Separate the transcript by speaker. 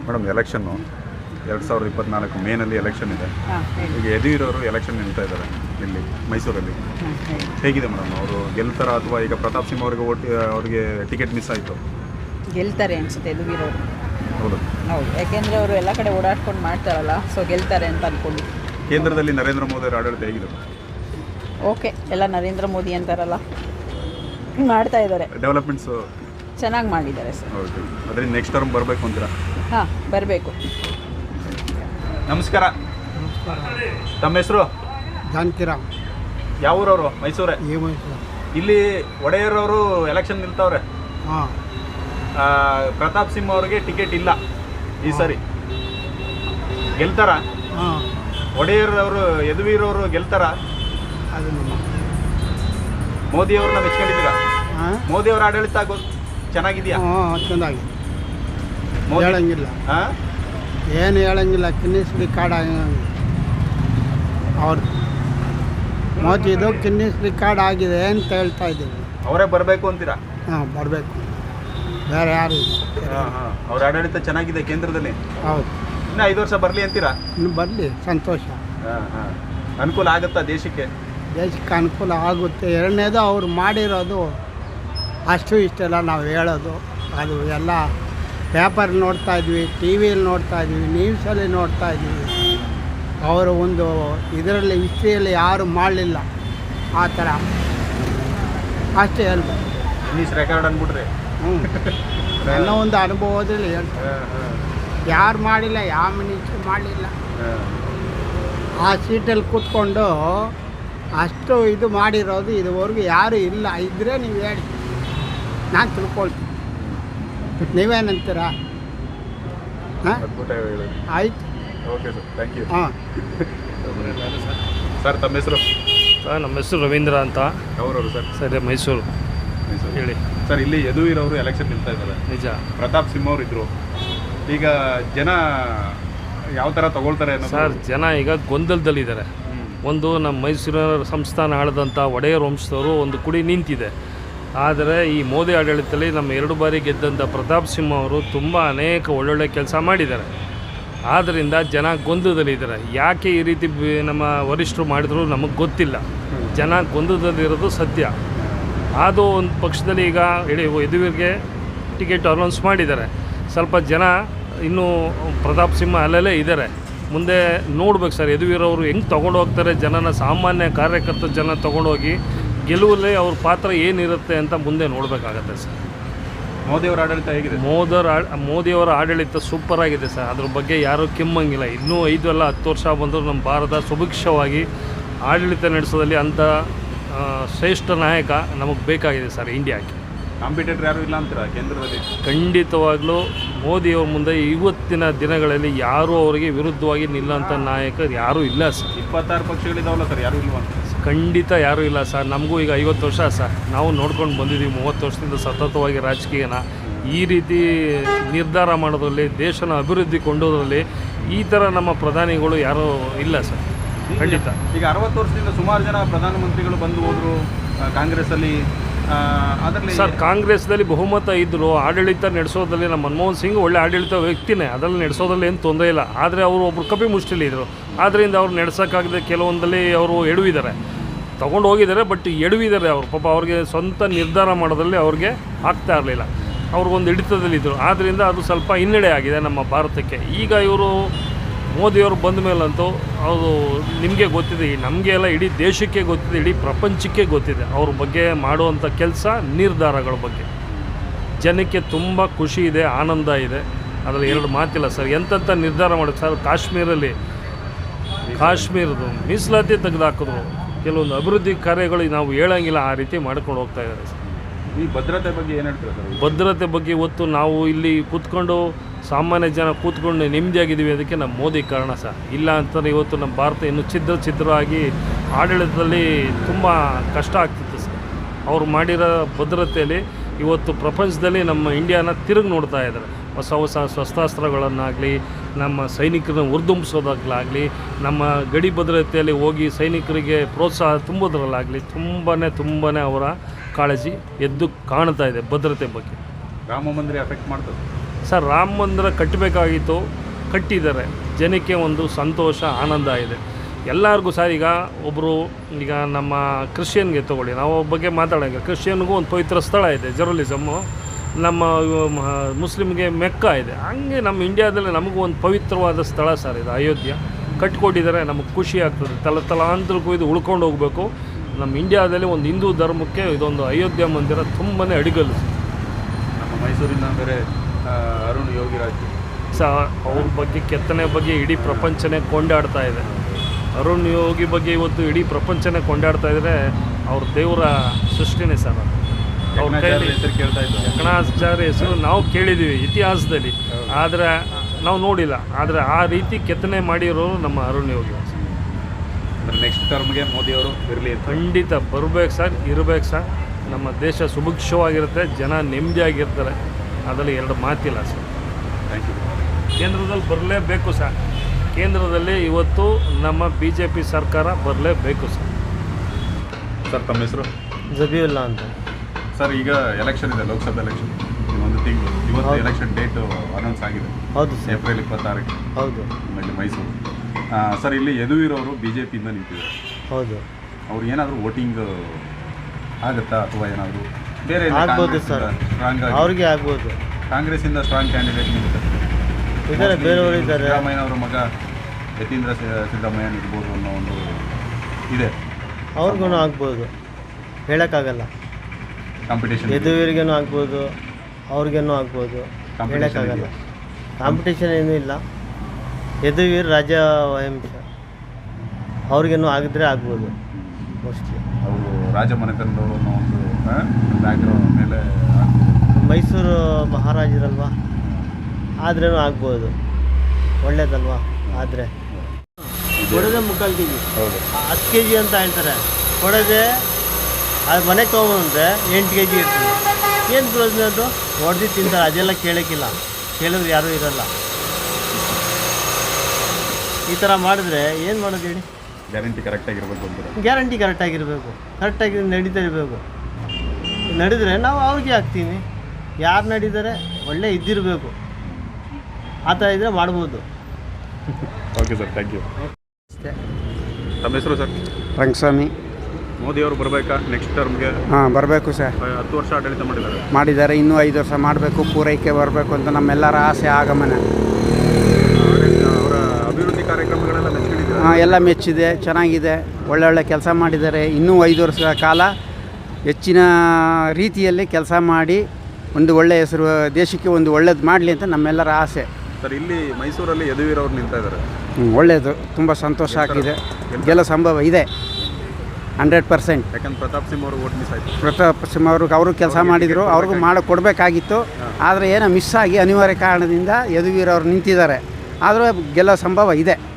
Speaker 1: Madam election 2024 ಮೇನಲ್ಲಿ election ಇದೆ. ಈಗ ಯದುವೀರವರು ಎಲೆಕ್ಷನ್ ನಿಲ್ತಾ ಇದ್ದಾರೆ ಇಲ್ಲಿ ಮೈಸೂರಲ್ಲಿ. ಹೇಗಿದೆ ಮೇಡಮ್, ಅವರು ಗೆಲ್ತಾರ ಅಥವಾ ಈಗ ಪ್ರತಾಪ್ ಸಿಂಹ ಅವರಿಗೆ ಅವ್ರಿಗೆ ಟಿಕೆಟ್ ಮಿಸ್ ಆಯಿತು?
Speaker 2: ಗೆಲ್ತಾರೆ ಅನಿಸುತ್ತೆ ಯದುವೀರವರು.
Speaker 1: ಹೌದು
Speaker 2: ಹೌದು, ಯಾಕೆಂದರೆ ಅವರು ಎಲ್ಲ ಕಡೆ ಓಡಾಡ್ಕೊಂಡು ಮಾಡ್ತಾರಲ್ಲ, ಸೊ ಗೆಲ್ತಾರೆ ಅಂತ ಅಂದ್ಕೊಂಡು.
Speaker 1: ಕೇಂದ್ರದಲ್ಲಿ ನರೇಂದ್ರ ಮೋದಿ ಅವರ ಆಡಳಿತ ಹೇಗಿದೆ?
Speaker 2: ಓಕೆ, ಎಲ್ಲ ನರೇಂದ್ರ ಮೋದಿ ಅಂತಾರಲ್ಲ, ಮಾಡ್ತಾ ಇದ್ದಾರೆ.
Speaker 1: ಡೆವಲಪ್ಮೆಂಟ್ಸು
Speaker 2: ಚೆನ್ನಾಗಿ ಮಾಡಿದ್ದಾರೆ ಸರ್.
Speaker 1: ಓಕೆ, ಅದರಿಂದ ನೆಕ್ಸ್ಟ್ ಟರ್ಮ್ ಬರಬೇಕು ಅಂತೀರಾ?
Speaker 2: ಹಾಂ, ಬರಬೇಕು.
Speaker 1: ನಮಸ್ಕಾರ. ತಮ್ಮ ಹೆಸರು?
Speaker 3: ಜಾನಕಿರಾಮ್.
Speaker 1: ಯಾವ ಊರವರು? ಮೈಸೂರೇ. ಇಲ್ಲಿ ಒಡೆಯರವರು ಎಲೆಕ್ಷನ್ ನಿಲ್ತವ್ರೆ.
Speaker 3: ಹಾಂ,
Speaker 1: ಪ್ರತಾಪ್ ಸಿಂಹ ಅವ್ರಿಗೆ ಟಿಕೆಟ್ ಇಲ್ಲ ಈ ಸರಿ. ಗೆಲ್ತಾರ?
Speaker 3: ಹಾಂ,
Speaker 1: ಒಡೆಯರವರು ಯದುವೀರವರು ಗೆಲ್ತಾರ?
Speaker 3: ಅದು
Speaker 1: ಮೋದಿ ಅವ್ರನ್ನ ಮೆಚ್ಕೊಂಡಿದ್ದೀರಾ?
Speaker 3: ಹಾಂ,
Speaker 1: ಮೋದಿ ಅವರ ಆಡಳಿತ ಚೆನ್ನಾಗಿದೆಯಾ?
Speaker 3: ಹಾಂ, ಚೆನ್ನಾಗಿ
Speaker 1: ಮೋದಿ
Speaker 3: ಹೇಳಂಗಿಲ್ಲ.
Speaker 1: ಹಾಂ,
Speaker 3: ಏನು ಹೇಳಂಗಿಲ್ಲ. ಕಿನ್ನಿಸ್ಲಿ ಕಾರ್ಡ್ ಅವ್ರು ಮೋದಿದು ಕಿನ್ನಿಸ್ಲಿ ಕಾರ್ಡ್ ಆಗಿದೆ ಅಂತ ಹೇಳ್ತಾ ಇದ್ದೀವಿ.
Speaker 1: ಅವರೇ ಬರಬೇಕು ಅಂತೀರಾ?
Speaker 3: ಹಾಂ, ಬರಬೇಕು, ಬೇರೆ ಯಾರು ಇಲ್ಲ.
Speaker 1: ಹಾಂ ಹಾಂ, ಅವ್ರ ಆಡಳಿತ ಚೆನ್ನಾಗಿದೆ ಕೇಂದ್ರದಲ್ಲಿ.
Speaker 3: ಹೌದು,
Speaker 1: ಇನ್ನು 5 ವರ್ಷ ಬರಲಿ ಅಂತೀರಾ?
Speaker 3: ಇನ್ನು ಬರಲಿ, ಸಂತೋಷ.
Speaker 1: ಹಾಂ ಹಾಂ, ಅನುಕೂಲ ಆಗುತ್ತಾ ದೇಶಕ್ಕೆ?
Speaker 3: ದೇಶಕ್ಕೆ ಅನುಕೂಲ ಆಗುತ್ತೆ. ಎರಡನೇದು ಅವ್ರು ಮಾಡಿರೋದು ಅಷ್ಟು ಇಷ್ಟೆಲ್ಲ ನಾವು ಹೇಳೋದು, ಅದು ಎಲ್ಲ ಪೇಪರ್ ನೋಡ್ತಾ ಇದ್ವಿ, ಟಿ ವಿಯಲ್ಲಿ ನೋಡ್ತಾ ಇದ್ವಿ, ನ್ಯೂಸಲ್ಲಿ ನೋಡ್ತಾ ಇದ್ವಿ. ಅವರು ಒಂದು ಇದರಲ್ಲಿ ಹಿಸ್ಟ್ರಿಯಲ್ಲಿ ಯಾರು ಮಾಡಲಿಲ್ಲ ಆ ಥರ, ಅಷ್ಟೇ ಹೇಳ್ಬೇಕು.
Speaker 1: ಇನ್ನೀಸ್ ರೆಕಾರ್ಡ್ ಅಂದ್ಬಿಟ್ರಿ.
Speaker 3: ಹ್ಞೂ, ನನ್ನ ಒಂದು ಅನುಭವದಲ್ಲಿ ಹೇಳ್ತಾರೆ, ಯಾರು ಮಾಡಿಲ್ಲ, ಯಾವ ಮಿನಿಸ್ಟ್ರು ಮಾಡಲಿಲ್ಲ. ಆ ಸೀಟಲ್ಲಿ ಕೂತ್ಕೊಂಡು ಅಷ್ಟು ಇದು ಮಾಡಿರೋದು ಇದುವರೆಗೂ ಯಾರೂ ಇಲ್ಲ. ಇದ್ದರೆ ನೀವು ಹೇಳಿ, ನಾನು ತಿಳ್ಕೊಳ್ತೀನಿ. ನೀವೇನಂತೀರಾ? ಹಾಂ, ಆಯ್ತು,
Speaker 1: ಓಕೆ ಸರ್, ಥ್ಯಾಂಕ್ ಯು.
Speaker 3: ಹಾಂ.
Speaker 1: ಸರ್ ತಮ್ಮ ಹೆಸರು?
Speaker 4: ಸರ್ ನಮ್ಮ ಹೆಸರು ರವೀಂದ್ರ ಅಂತ.
Speaker 1: ಯಾವ್ರವರು ಸರ್?
Speaker 4: ಸರ್ ಮೈಸೂರು. ಹೇಳಿ
Speaker 1: ಸರ್. ಇಲ್ಲಿ ಯದುವೀರವರು ಎಲೆಕ್ಷನ್ ನಿಲ್ತಾ ಇದ್ದಾರೆ.
Speaker 4: ನಿಜ.
Speaker 1: ಪ್ರತಾಪ್ ಸಿಂಹ ಅವರು ಇದ್ರು. ಈಗ ಜನ ಯಾವ ಥರ ತಗೊಳ್ತಾರೆ
Speaker 4: ಸರ್? ಜನ ಈಗ ಗೊಂದಲದಲ್ಲಿದ್ದಾರೆ. ಒಂದು ನಮ್ಮ ಮೈಸೂರಿನ ಸಂಸ್ಥಾನ ಆಳಿದಂಥ ಒಡೆಯರ್ ವಂಶದವರು ಒಂದು ಕುಡಿ ನಿಂತಿದೆ. ಆದರೆ ಈ ಮೋದಿ ಆಡಳಿತದಲ್ಲಿ ನಮ್ಮ 2 ಬಾರಿ ಗೆದ್ದಂಥ ಪ್ರತಾಪ್ ಸಿಂಹ ಅವರು ತುಂಬ ಅನೇಕ ಒಳ್ಳೊಳ್ಳೆ ಕೆಲಸ ಮಾಡಿದ್ದಾರೆ. ಆದ್ದರಿಂದ ಜನ ಗೊಂದಲದಲ್ಲಿದ್ದಾರೆ. ಯಾಕೆ ಈ ರೀತಿ ನಮ್ಮ ವರಿಷ್ಠರು ಮಾಡಿದ್ರು ನಮಗೆ ಗೊತ್ತಿಲ್ಲ. ಜನ ಗೊಂದಲದಲ್ಲಿರೋದು ಸತ್ಯ. ಅದು ಒಂದು ಪಕ್ಷದಲ್ಲಿ ಈಗ ಯದುವೀರ್ಗೆ ಟಿಕೆಟ್ ಅನೌನ್ಸ್ ಮಾಡಿದ್ದಾರೆ. ಸ್ವಲ್ಪ ಜನ ಇನ್ನೂ ಪ್ರತಾಪ್ ಸಿಂಹ ಅಲ್ಲಲ್ಲೇ ಇದ್ದಾರೆ. ಮುಂದೆ ನೋಡ್ಬೇಕು ಸರ್, ಯದುವೀರವರು ಹೆಂಗೆ ತೊಗೊಂಡು ಹೋಗ್ತಾರೆ ಜನನ, ಸಾಮಾನ್ಯ ಕಾರ್ಯಕರ್ತ ಜನ ತೊಗೊಂಡೋಗಿ ಗೆಲುವಲ್ಲಿ ಅವ್ರ ಪಾತ್ರ ಏನಿರುತ್ತೆ ಅಂತ ಮುಂದೆ ನೋಡಬೇಕಾಗತ್ತೆ ಸರ್.
Speaker 1: ಮೋದಿಯವರ ಆಡಳಿತ ಹೇಗಿದೆ?
Speaker 4: ಮೋದಿಯವರ ಆಡಳಿತ ಸೂಪರ್ ಆಗಿದೆ ಸರ್. ಅದ್ರ ಬಗ್ಗೆ ಯಾರೂ ಕೆಮ್ಮಂಗಿಲ್ಲ. ಇನ್ನೂ 5 ಅಲ್ಲ 10 ವರ್ಷ ಬಂದರೂ ನಮ್ಮ ಭಾರತ ಸುಭಿಕ್ಷವಾಗಿ ಆಡಳಿತ ನಡೆಸೋದಲ್ಲಿ ಅಂಥ ಶ್ರೇಷ್ಠ ನಾಯಕ ನಮಗೆ ಬೇಕಾಗಿದೆ ಸರ್ ಇಂಡಿಯಾಕ್ಕೆ.
Speaker 1: ಕಾಂಪಿಟೇಟರ್ ಯಾರೂ ಇಲ್ಲ ಅಂತೀರಾ ಕೇಂದ್ರದಲ್ಲಿ?
Speaker 4: ಖಂಡಿತವಾಗ್ಲೂ ಮೋದಿಯವ್ರ ಮುಂದೆ ಇವತ್ತಿನ ದಿನಗಳಲ್ಲಿ ಯಾರೂ ಅವರಿಗೆ ವಿರುದ್ಧವಾಗಿ ನಿಲ್ಲಂಥ ನಾಯಕರು ಯಾರೂ ಇಲ್ಲ ಸರ್.
Speaker 1: 26 ಪಕ್ಷಗಳಿದಾವಲ್ಲ ಸರ್, ಯಾರೂ ಇಲ್ವಾ?
Speaker 4: ಖಂಡಿತ ಯಾರೂ ಇಲ್ಲ ಸರ್. ನಮಗೂ ಈಗ 50 ವರ್ಷ ಸರ್, ನಾವು ನೋಡ್ಕೊಂಡು ಬಂದಿದ್ದೀವಿ 30 ವರ್ಷದಿಂದ ಸತತವಾಗಿ ರಾಜಕೀಯನ. ಈ ರೀತಿ ನಿರ್ಧಾರ ಮಾಡೋದ್ರಲ್ಲಿ, ದೇಶನ ಅಭಿವೃದ್ಧಿ ಕೊಂಡೋದ್ರಲ್ಲಿ ಈ ಥರ ನಮ್ಮ ಪ್ರಧಾನಿಗಳು ಯಾರೂ ಇಲ್ಲ ಸರ್. ಖಂಡಿತ.
Speaker 1: ಈಗ 60 ವರ್ಷದಿಂದ ಸುಮಾರು ಜನ ಪ್ರಧಾನಮಂತ್ರಿಗಳು ಬಂದು ಹೋದರು ಕಾಂಗ್ರೆಸ್ಸಲ್ಲಿ. ಅದರಲ್ಲಿ
Speaker 4: ಸರ್ ಕಾಂಗ್ರೆಸ್ದಲ್ಲಿ ಬಹುಮತ ಇದ್ದರು. ಆಡಳಿತ ನಡೆಸೋದ್ರಲ್ಲಿ ನಮ್ಮ ಮನಮೋಹನ್ ಸಿಂಗ್ ಒಳ್ಳೆ ಆಡಳಿತ ವ್ಯಕ್ತಿನೇ, ಅದರಲ್ಲಿ ನಡೆಸೋದ್ರಲ್ಲಿ ಏನು ತೊಂದರೆ ಇಲ್ಲ. ಆದರೆ ಅವರು ಒಬ್ಬರು ಕಪಿ ಮುಷ್ಟಿಲಿ ಇದ್ದರು. ಆದ್ದರಿಂದ ಅವ್ರು ನಡೆಸೋಕ್ಕಾಗದೆ ಕೆಲವೊಂದಲ್ಲಿ ಅವರು ಎಡವಿದ್ದಾರೆ, ತೊಗೊಂಡು ಹೋಗಿದ್ದಾರೆ. ಬಟ್ ಎಡವಿದ್ದಾರೆ ಅವರು. ಪಾಪ ಅವ್ರಿಗೆ ಸ್ವಂತ ನಿರ್ಧಾರ ಮಾಡೋದ್ರಲ್ಲಿ ಅವ್ರಿಗೆ ಆಗ್ತಾ ಇರಲಿಲ್ಲ. ಅವ್ರಿಗೊಂದು ಹಿಡಿತದಲ್ಲಿದ್ದರು. ಆದ್ದರಿಂದ ಅದು ಸ್ವಲ್ಪ ಹಿನ್ನಡೆ ಆಗಿದೆ ನಮ್ಮ ಭಾರತಕ್ಕೆ. ಈಗ ಇವರು ಮೋದಿಯವರು ಬಂದ ಮೇಲಂತೂ ಅದು ನಿಮಗೆ ಗೊತ್ತಿದೆ, ನಮಗೆ ಎಲ್ಲ ಇಡೀ ದೇಶಕ್ಕೆ ಗೊತ್ತಿದೆ, ಇಡೀ ಪ್ರಪಂಚಕ್ಕೆ ಗೊತ್ತಿದೆ ಅವ್ರ ಬಗ್ಗೆ ಮಾಡುವಂಥ ಕೆಲಸ, ನಿರ್ಧಾರಗಳ ಬಗ್ಗೆ. ಜನಕ್ಕೆ ತುಂಬ ಖುಷಿ ಇದೆ, ಆನಂದ ಇದೆ. ಅದರಲ್ಲಿ 2 ಮಾತಿಲ್ಲ ಸರ್. ಎಂತೆಂಥ ನಿರ್ಧಾರ ಮಾಡೋದು ಸರ್. ಕಾಶ್ಮೀರದ್ದು ಮೀಸಲಾತಿ ತೆಗೆದುಹಾಕಿದ್ರು. ಕೆಲವೊಂದು ಅಭಿವೃದ್ಧಿ ಕಾರ್ಯಗಳು ನಾವು ಹೇಳೋಂಗಿಲ್ಲ, ಆ ರೀತಿ ಮಾಡ್ಕೊಂಡು ಹೋಗ್ತಾ ಇದ್ದಾರೆ ಸರ್.
Speaker 1: ಈ ಭದ್ರತೆ ಬಗ್ಗೆ ಏನು ಹೇಳ್ತೀರಾ ಸರ್?
Speaker 4: ಭದ್ರತೆ ಬಗ್ಗೆ ಇವತ್ತು ನಾವು ಇಲ್ಲಿ ಕೂತ್ಕೊಂಡು ಸಾಮಾನ್ಯ ಜನ ಕೂತ್ಕೊಂಡು ನೆಮ್ಮದಿಯಾಗಿದ್ದೀವಿ. ಅದಕ್ಕೆ ನಮ್ಮ ಮೋದಿ ಕಾರಣ ಸರ್. ಇಲ್ಲ ಅಂತಂದರೆ ಇವತ್ತು ನಮ್ಮ ಭಾರತ ಇನ್ನೂ ಛಿದ್ರವಾಗಿ ಆಡಳಿತದಲ್ಲಿ ತುಂಬ ಕಷ್ಟ ಆಗ್ತಿತ್ತು ಸರ್. ಅವ್ರು ಮಾಡಿರೋ ಭದ್ರತೆಯಲ್ಲಿ ಇವತ್ತು ಪ್ರಪಂಚದಲ್ಲಿ ನಮ್ಮ ಇಂಡಿಯಾನ ತಿರುಗಿ ನೋಡ್ತಾ ಇದ್ದಾರೆ. ಹೊಸ ಶಸ್ತ್ರಾಸ್ತ್ರಗಳನ್ನಾಗಲಿ, ನಮ್ಮ ಸೈನಿಕರನ್ನ ಹುರಿದುಂಬಿಸೋದಾಗಲಾಗಲಿ, ನಮ್ಮ ಗಡಿ ಭದ್ರತೆಯಲ್ಲಿ ಹೋಗಿ ಸೈನಿಕರಿಗೆ ಪ್ರೋತ್ಸಾಹ ತುಂಬೋದ್ರಲ್ಲಾಗಲಿ ತುಂಬಾ ಅವರ ಕಾಳಜಿ ಎದ್ದು ಕಾಣ್ತಾ ಇದೆ ಭದ್ರತೆ ಬಗ್ಗೆ.
Speaker 1: ರಾಮ ಮಂದಿರ ಎಫೆಕ್ಟ್ ಮಾಡ್ತದೆ
Speaker 4: ಸರ್ ರಾಮ ಮಂದಿರ ಕಟ್ಟಬೇಕಾಗಿತ್ತು, ಕಟ್ಟಿದ್ದಾರೆ. ಜನಕ್ಕೆ ಒಂದು ಸಂತೋಷ ಆನಂದ ಇದೆ ಎಲ್ಲರಿಗೂ. ಸರ್ ಈಗ ನಮ್ಮ ಕ್ರಿಶ್ಚಿಯನ್ಗೆ ತೊಗೊಳ್ಳಿ, ನಾವು ಬಗ್ಗೆ ಮಾತಾಡೋಂಗೆ ಕ್ರಿಶ್ಚಿಯನ್ಗೂ ಒಂದು ಪವಿತ್ರ ಸ್ಥಳ ಇದೆ ಜೆರುಸಲೇಮು, ನಮ್ಮ ಮುಸ್ಲಿಮ್ಗೆ ಮೆಕ್ಕ ಇದೆ. ಹಂಗೆ ನಮ್ಮ ಇಂಡಿಯಾದಲ್ಲಿ ನಮಗೂ ಒಂದು ಪವಿತ್ರವಾದ ಸ್ಥಳ ಸರ್ ಇದು ಅಯೋಧ್ಯ. ಕಟ್ಕೊಟ್ಟಿದ್ದಾರೆ, ನಮಗೆ ಖುಷಿ ಆಗ್ತದೆ. ತಲಾಂತರಕ್ಕೂ ಇದು ಉಳ್ಕೊಂಡು ಹೋಗಬೇಕು. ನಮ್ಮ ಇಂಡಿಯಾದಲ್ಲಿ ಒಂದು ಹಿಂದೂ ಧರ್ಮಕ್ಕೆ ಇದೊಂದು ಅಯೋಧ್ಯ ಮಂದಿರ ತುಂಬಾ ಅಡಿಗಲ್ಲು.
Speaker 1: ನಮ್ಮ ಮೈಸೂರಿನ ಬೇರೆ ಅರುಣ್ ಯೋಗಿರಾಜ್
Speaker 4: ಅವ್ರ ಬಗ್ಗೆ ಕೆತ್ತನೆ ಬಗ್ಗೆ ಇಡೀ ಪ್ರಪಂಚನೇ ಕೊಂಡಾಡ್ತಾ ಇದೆ. ಅರುಣ್ ಯೋಗಿ ಬಗ್ಗೆ ಇವತ್ತು ಇಡೀ ಪ್ರಪಂಚನೇ ಕೊಂಡಾಡ್ತಾ ಇದ್ದರೆ ಅವ್ರ ದೇವರ ಸೃಷ್ಟಿನೇ ಸರ್. ಅವ್ರ ಕೈಯಲ್ಲಿ
Speaker 1: ಹೆಸರು ಕೇಳ್ತಾ ಇದ್ರು.
Speaker 4: ಯಕಣಾಚಾರ್ಯ ಹೆಸರು ನಾವು ಕೇಳಿದ್ದೀವಿ ಇತಿಹಾಸದಲ್ಲಿ, ಆದರೆ ನಾವು ನೋಡಿಲ್ಲ. ಆದರೆ ಆ ರೀತಿ ಕೆತ್ತನೆ ಮಾಡಿರೋರು ನಮ್ಮ ಅರುಣ್ ಯೋಗಿ.
Speaker 1: ನೆಕ್ಸ್ಟ್ ಟರ್ಮ್ಗೆ ಮೋದಿಯವರು ಇರಲಿ ಅಂತ
Speaker 4: ಖಂಡಿತ ಬರಬೇಕು ಸರ್, ಇರಬೇಕು ಸರ್. ನಮ್ಮ ದೇಶ ಸುಭಿಕ್ಷವಾಗಿರುತ್ತೆ, ಜನ ನೆಮ್ಮದಿಯಾಗಿರ್ತಾರೆ, ಅದರಲ್ಲಿ ಎರಡು ಮಾತಿಲ್ಲ ಸರ್.
Speaker 1: Thank you.
Speaker 4: ಕೇಂದ್ರದಲ್ಲಿ ಬರಲೇಬೇಕು ಸರ್. ಕೇಂದ್ರದಲ್ಲಿ ಇವತ್ತು ನಮ್ಮ BJP ಸರ್ಕಾರ ಬರಲೇಬೇಕು ಸರ್.
Speaker 1: ಸರ್ ತಮ್ಮ ಹೆಸರು?
Speaker 5: ಜಬೀವುಲ್ಲಾ ಅಂತ
Speaker 1: ಸರ್, ಈಗ ಎಲೆಕ್ಷನ್ ಇದೆ, ಲೋಕಸಭೆ ಎಲೆಕ್ಷನ್ ಇನ್ನೊಂದು ತಿಂಗಳು. ಇವತ್ತು ಎಲೆಕ್ಷನ್ ಡೇಟ್ ಅನೌನ್ಸ್ ಆಗಿದೆ.
Speaker 5: ಹೌದು ಸರ್.
Speaker 1: ಏಪ್ರಿಲ್ 26
Speaker 5: ಹೌದು.
Speaker 1: ಇಲ್ಲಿ ಮೈಸೂರು. ಸರ್, ಇಲ್ಲಿ ಯದುವೀರವರು BJPಯಿಂದ ನಿಂತಿದ್ದಾರೆ.
Speaker 5: ಹೌದು.
Speaker 1: ಅವ್ರು ಏನಾದರೂ ವೋಟಿಂಗ್ ಆಗುತ್ತಾ ಅಥವಾ ಏನಾದರೂ ಬೇರೆ
Speaker 5: ಆಗ್ಬೋದು ಸರ್.
Speaker 1: ಸ್ಟ್ರಾಂಗ್
Speaker 5: ಅವ್ರಿಗೆ ಆಗ್ಬೋದು.
Speaker 1: ಕಾಂಗ್ರೆಸ್ಸಿಂದ ಸ್ಟ್ರಾಂಗ್ ಕ್ಯಾಂಡಿಡೇಟ್ ನಿಂತಿದ್ದಾರೆ.
Speaker 5: ಇದ್ದಾರೆ, ಬೇರೆಯವರು ಇದ್ದಾರೆ.
Speaker 1: ಸಿದ್ದರಾಮಯ್ಯನವರ ಮಗ ಯತೀಂದ್ರ ಸಿದ್ದರಾಮಯ್ಯ ಇರ್ಬೋದು ಅನ್ನೋ ಒಂದು ಇದೆ.
Speaker 5: ಅವ್ರಿಗೂ ಆಗ್ಬೋದು, ಹೇಳೋಕ್ಕಾಗಲ್ಲ.
Speaker 1: ಕಾಂಪಿಟೇಷನ್
Speaker 5: ಯದುವೀರಿಗೇನು ಆಗ್ಬೋದು, ಅವ್ರಿಗೇನು ಆಗ್ಬೋದು, ಹೇಳೋಕ್ಕಾಗಲ್ಲ. ಕಾಂಪಿಟೇಷನ್ ಏನೂ ಇಲ್ಲ. ಯದುವೀರ್ ರಾಜ ವಂಶ, ಅವ್ರಿಗೇನು ಆಗಿದ್ರೆ ಆಗ್ಬೋದು ಮೋಸ್ಟ್ಲಿ.
Speaker 1: ಅವರು ರಾಜಮನೆತನದವರು ಅನ್ನೋ ಒಂದು ಬ್ಯಾಕ್ಗ್ರೌಂಡ್ ಮೇಲೆ ಆಗ್ಬೋದು.
Speaker 5: ಮೈಸೂರು ಮಹಾರಾಜರಲ್ವಾ, ಆದ್ರೂ ಆಗ್ಬೋದು. ಒಳ್ಳೇದಲ್ವಾ ಆದರೆ ಕೊಡೋದೇ 3/4 kg,
Speaker 1: ಹೌದು
Speaker 5: 10 kg ಅಂತ ಹೇಳ್ತಾರೆ. ಕೊಡೋದೇ ಅದು ಮನೆಗೆ ತೊಗೊಂಡ್ರೆ 8 kg ಇರ್ತದೆ. ಏನು ಪ್ರಯೋಜನ ಅದು? ಹೊಡೆದು ತಿಂತಾರೆ, ಅದೆಲ್ಲ ಕೇಳೋಕ್ಕಿಲ್ಲ. ಕೇಳಿದ್ರೆ ಯಾರೂ ಇರೋಲ್ಲ. ಈ ಥರ ಮಾಡಿದ್ರೆ ಏನು ಮಾಡೋದು ಹೇಳಿ?
Speaker 1: ಗ್ಯಾರಂಟಿ ಕರೆಕ್ಟಾಗಿರ್ಬೇಕು ಅಂತಾರೆ.
Speaker 5: ಗ್ಯಾರಂಟಿ ಕರೆಕ್ಟಾಗಿರಬೇಕು, ಕರೆಕ್ಟಾಗಿ ನಡೀತಾ ಇರಬೇಕು. ನಡೆದರೆ ನಾವು ಅವ್ರಿಗೆ ಹಾಕ್ತೀವಿ. ಯಾರು ನಡೀತಾರೆ ಒಳ್ಳೆ ಇದ್ದಿರಬೇಕು, ಆ ಥರ ಇದ್ದರೆ ಮಾಡ್ಬೋದು.
Speaker 1: Okay sir, thank you.
Speaker 5: ಅಷ್ಟೇ.
Speaker 1: ತಮ್ಮ ಹೆಸರು ಸರ್?
Speaker 6: ರಂಗಸ್ವಾಮಿ.
Speaker 1: ಮೋದಿಯವರು ಬರಬೇಕಾ ನೆಕ್ಸ್ಟ್ ಟರ್ಮ್ಗೆ?
Speaker 6: ಹಾಂ, ಬರಬೇಕು ಸರ್.
Speaker 1: 10 ವರ್ಷ ಆಡಳಿತ ಮಾಡಿದ್ದಾರೆ.
Speaker 6: ಮಾಡಿದ್ದಾರೆ, ಇನ್ನೂ 5 ವರ್ಷ ಮಾಡಬೇಕು, ಪೂರೈಕೆ ಬರಬೇಕು ಅಂತ ನಮ್ಮೆಲ್ಲರ ಆಸೆ, ಆಗಮನ.
Speaker 1: ಅವರ ಅಭಿವೃದ್ಧಿ ಕಾರ್ಯಕ್ರಮಗಳೆಲ್ಲ ಮೆಚ್ಚಿದ್ದಾರೆ.
Speaker 6: ಹಾಂ, ಎಲ್ಲ ಮೆಚ್ಚಿದೆ, ಚೆನ್ನಾಗಿದೆ, ಒಳ್ಳೊಳ್ಳೆ ಕೆಲಸ ಮಾಡಿದ್ದಾರೆ. ಇನ್ನೂ 5 ವರ್ಷ ಕಾಲ ಹೆಚ್ಚಿನ ರೀತಿಯಲ್ಲಿ ಕೆಲಸ ಮಾಡಿ ಒಂದು ಒಳ್ಳೆಯ ಹೆಸರು ದೇಶಕ್ಕೆ ಒಂದು ಒಳ್ಳೇದು ಮಾಡಲಿ ಅಂತ ನಮ್ಮೆಲ್ಲರ ಆಸೆ.
Speaker 1: ಸರ್, ಇಲ್ಲಿ ಮೈಸೂರಲ್ಲಿ ಯದುವೀರವ್ರು ನಿಲ್ತಾ ಇದ್ದಾರೆ.
Speaker 6: ಒಳ್ಳೆಯದು, ತುಂಬ ಸಂತೋಷ ಆಗಿದೆ. ಗೆಲ್ಲೋ ಸಂಭವ ಇದೆ 100%.
Speaker 1: ಯಾಕಂದ್ರೆ ಪ್ರತಾಪ್ ಸಿಂಹ ಅವರು ವೋಟ್ ಮಿಸ್ ಆಯಿತು.
Speaker 6: ಪ್ರತಾಪ್ ಸಿಂಹ ಅವರು ಕೆಲಸ ಮಾಡಿದರು, ಅವ್ರಿಗೂ ಕೊಡಬೇಕಾಗಿತ್ತು. ಆದರೆ ಏನೋ ಮಿಸ್ ಆಗಿ ಅನಿವಾರ್ಯ ಕಾರಣದಿಂದ ಯದುವೀರವ್ರು ನಿಂತಿದ್ದಾರೆ. ಆದರೂ ಗೆಲ್ಲೋ ಸಂಭವ ಇದೆ.